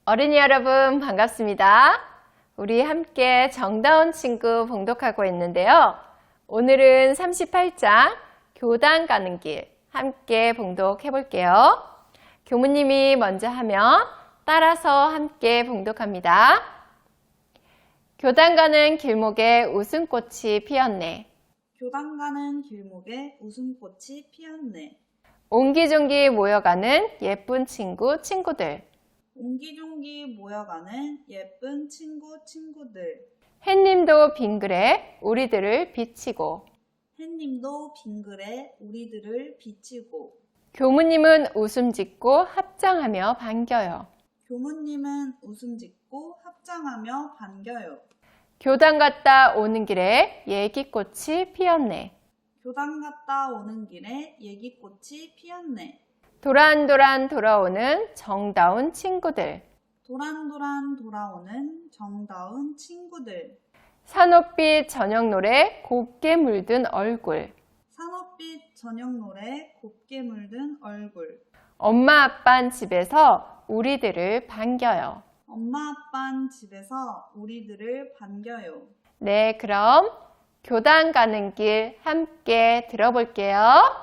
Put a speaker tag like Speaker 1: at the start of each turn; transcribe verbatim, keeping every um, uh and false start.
Speaker 1: 어린이 여러분 반갑습니다. 우리 함께 정다운 친구 봉독하고 있는데요. 오늘은 삼십팔 장 교단 가는 길 함께 봉독해 볼게요. 교무님이 먼저 하면 따라서 함께 봉독합니다. 교단 가는 길목에 웃음꽃이 피었네.
Speaker 2: 교단 가는 길목에 웃음꽃이 피었네.
Speaker 1: 옹기종기 모여가는 예쁜 친구 친구들.
Speaker 2: 옹기종기 모여가는 예쁜 친구 친구들.
Speaker 1: 햇님도 빙그레 우리들을 비치고.
Speaker 2: 햇님도 빙그레 우리들을 비치고.
Speaker 1: 교무님은 웃음 짓고 합장하며 반겨요.
Speaker 2: 교무님은 웃음 짓고 합장하며 반겨요.
Speaker 1: 교단 갔다 오는 길에 얘기꽃이 피었네.
Speaker 2: 교단 갔다 오는 길에 얘기꽃이 피었네.
Speaker 1: 도란도란 돌아오는 정다운 친구들.
Speaker 2: 도란도란 돌아오는 정다운 친구들.
Speaker 1: 산옥빛 저녁 노래 곱게 물든 얼굴.
Speaker 2: 산업빛 저녁 노래 곱게 물든 얼굴.
Speaker 1: 엄마 아빤 집에서 우리들을 반겨요.
Speaker 2: 엄마 아빤 집에서 우리들을 반겨요.
Speaker 1: 네, 그럼 교단 가는 길 함께 들어볼게요.